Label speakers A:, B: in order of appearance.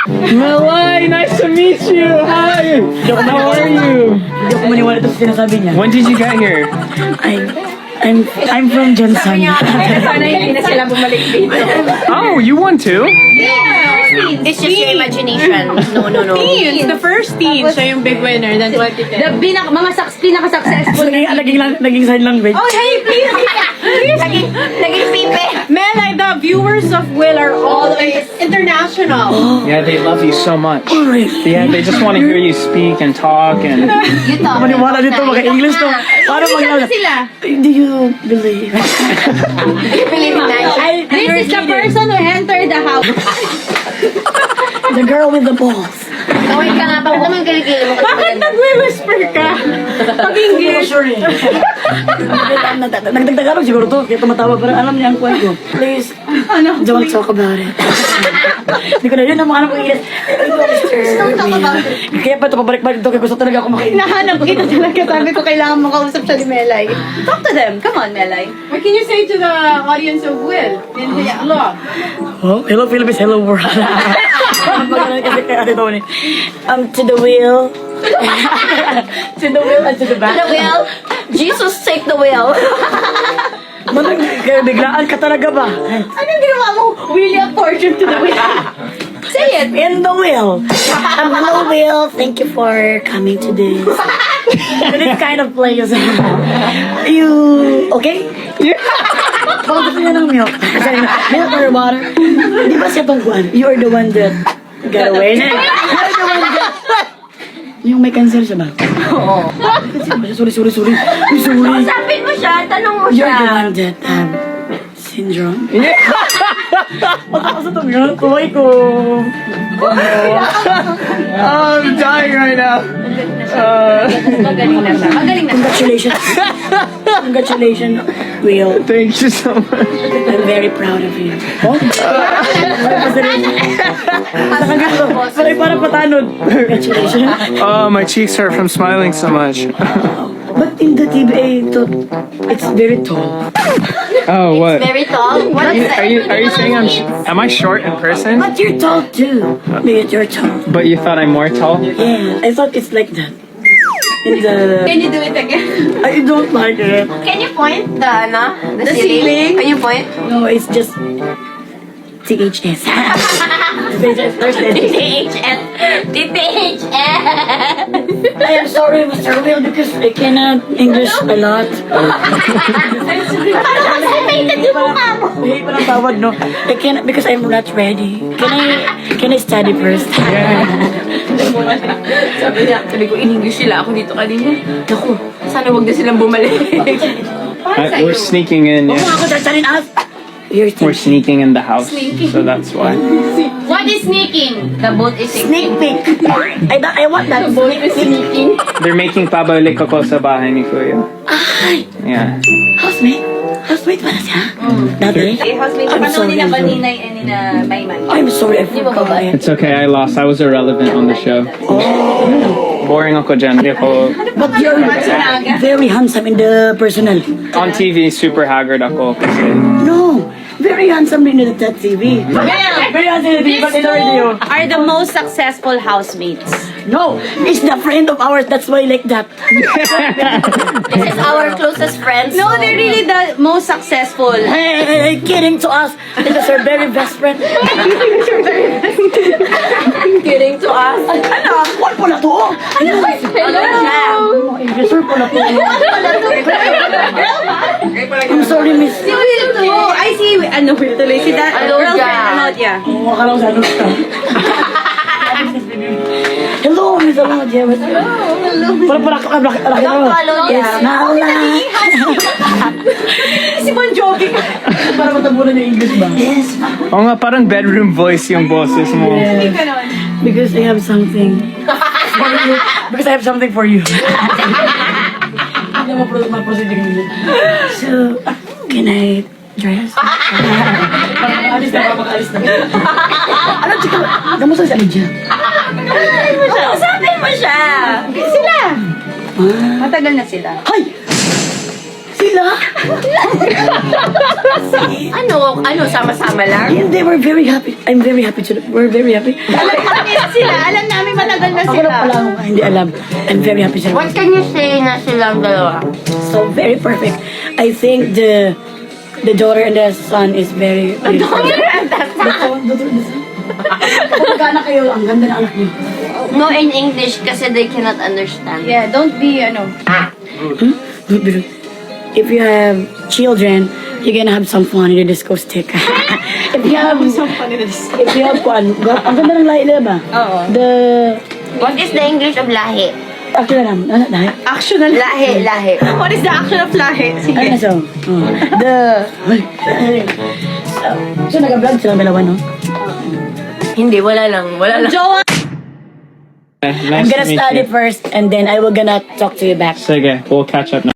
A: Malay, nice to meet you. Hi. How are you?
B: Hindi ako maniwala ito sa sinasabi niya.
A: When did you get here?
B: I'm from Johnson.
C: Sana hindi na sila bumalik dito.
A: Oh, you won too?
C: It's just your imagination. No.
D: Teens, the first teen, siya yung big winner. Then what did
C: The pinaka-successful.
B: Naging sign language.
D: Oh, hey, please!
C: Naging pipe.
D: Melay, the viewers of Will are always international.
A: Yeah, they love you so much.
B: Alright.
A: Yeah, they just want to hear you speak and talk and.
C: You talk.
B: Maniwala dito, maka-English to. Paano mag-English?
C: Sila.
B: Do you believe?
C: You believe in that?
D: This is the person who entered the house.
B: The girl with the balls.
C: Kawin ka nga. Bakit naman kilikili mo?
D: Bakit nagwi-whisper ka?
B: Hindi ko sure eh. Nagdagdagalog siguro to. Kaya tumatawa. Parang alam niya ang kwento. Please, don't talk about it. Hindi ko na yun ang mga anak ko ilis.
C: Don't talk about it.
B: Kaya pa ito pabalik-balik ito. Kaya gusto talaga ako makinig.
D: Nahanap kita talaga. Sabi ko, kailangan makausap siya ni Melay. Talk to them. Come on, Melay. What can you say to the audience of Will in the vlog?
B: Oh, hello Philippines, hello world. Kasi kaya ate Tony. To the wheel. To the wheel and to the back.
C: The wheel. Jesus, take the wheel.
B: Manang biglaan ka talaga ba?
D: Anong ginawa mo? Willie a portrait to the wheel.
C: Say it.
B: In the wheel. Hello wheel, thank you for coming to this. This kind of place. You okay? Baka gusto niya ng milk. Milk or water? Di ba siya tong one? You're the one that got away. You're the one that... Yung may cancer siya ba?
C: Oo.
B: Sorry. Sorry.
C: Usapin mo siya. Tanong mo
B: You're the
C: siya.
B: one that syndrome? Yeah. Matakas itong yun. Tuway ko.
A: I'm dying right now.
C: Magaling na siya. Magaling na siya.
B: Congratulations, Will.
A: Thank you so much.
B: I'm very proud of you. Oh? Sorry, parang patanod. Congratulations.
A: Oh, my cheeks hurt from smiling so much.
B: But in the TBA, it's very tall.
A: Oh, what?
C: Very tall. What is
A: Are you saying am I short in person?
B: But you're tall too. But you're tall.
A: But you thought I'm more tall?
B: Yeah, I thought it's like that. In the...
D: Can you do it again?
B: I don't like it.
C: Can you point the ceiling? Can you point?
B: No, it's just... THS. THS first and
C: THS.
B: I am sorry, Mr. Will, because I cannot English a lot.
C: Constipated yung mukha mo.
B: Hey, parang tawad, no? I cannot, because I'm not ready. Can I study first?
D: Sabi ko, in English sila. Ako dito kanina.
B: Ako.
D: Sana wag na silang bumalik.
A: We're sneaking in,
B: Huwag mo
A: yeah.
B: ako sasalin out. You're
A: We're sneaking in the house, so that's why.
C: What is sneaking? The boat is
B: sneak peek. I want that. Sneaking.
A: They're making pabalik ako sa bahay ni Kuya.
B: Ay,
A: Yeah.
B: housemate. Housemate pala siya. Dati?
D: Housemate,
B: I'm sorry.
D: ni Baninay and ni na Mayman.
B: I'm sorry, I forgot.
A: It's okay, I lost. I was irrelevant on the show. Boring ako dyan. Hindi ako...
B: But you're very handsome in the personal.
A: On TV, super haggard ako. Kasi
B: No, very handsome in the TV. Very handsome in the TV, but in the radio.
D: Are the most successful housemates.
B: No, it's the friend of ours, that's why like that.
C: This is our closest friends.
D: No, they're really the most successful.
B: Hey, kidding to us. This is our very best friend.
D: Kidding to us.
B: Ano? What pala to? Ano?
C: Hello.
B: Investor pala to. I'm sorry, miss.
D: Si Will to. Ay, si ano Will tuloy. Si that
C: Alodia.
D: girlfriend, Alodia.
B: Oo, akala ko sa ano ka. Hello, Miss Alodia. Hello. Para ka laki
C: Hello, Alodia.
B: Yes, Nala.
D: Si Bon Jovi.
B: Para matabunan yung English ba? Yes,
A: Oo nga, parang bedroom voice yung boses mo.
B: because I have something for you. Because I have something for you. Hindi mo ma-proceed yung English. So, can I dress? Alis na, papakalis na. Ano, chika, kamusta si Alidia?
D: Usapin mo siya. Sila. Matagal na sila.
B: Hay! Sino sila?
C: Ano, sama-sama lang?
B: Hindi, we're very happy. I'm very happy to we're very happy.
D: Alam nila sila. Alam namin matagal na
B: Ako
D: sila.
B: na pala ako hindi alam. I'm very happy sila.
C: What can you say na silang dalawa?
B: So very perfect. I think the daughter and the son is very Kapag anak kayo, ang ganda ng anak niyo.
C: No in English kasi they cannot understand.
D: Yeah, don't be,
B: If you have children, you're gonna have some fun in the disco stick. If you have fun, ang ganda ng lahi nila ba?
D: Oo.
C: What is the English of lahi?
B: Actually lang, ano lahi?
D: Actional
C: Lahi.
D: What is the action of lahi? Sige.
B: Ano so? So nag-vlog silang dalawa, no?
C: Hindi, wala lang.
D: Jowa!
B: I'm
A: Nice
B: gonna
A: to meet
B: study
A: you.
B: first and then I will gonna talk to you back.
A: Sige, we'll catch up now.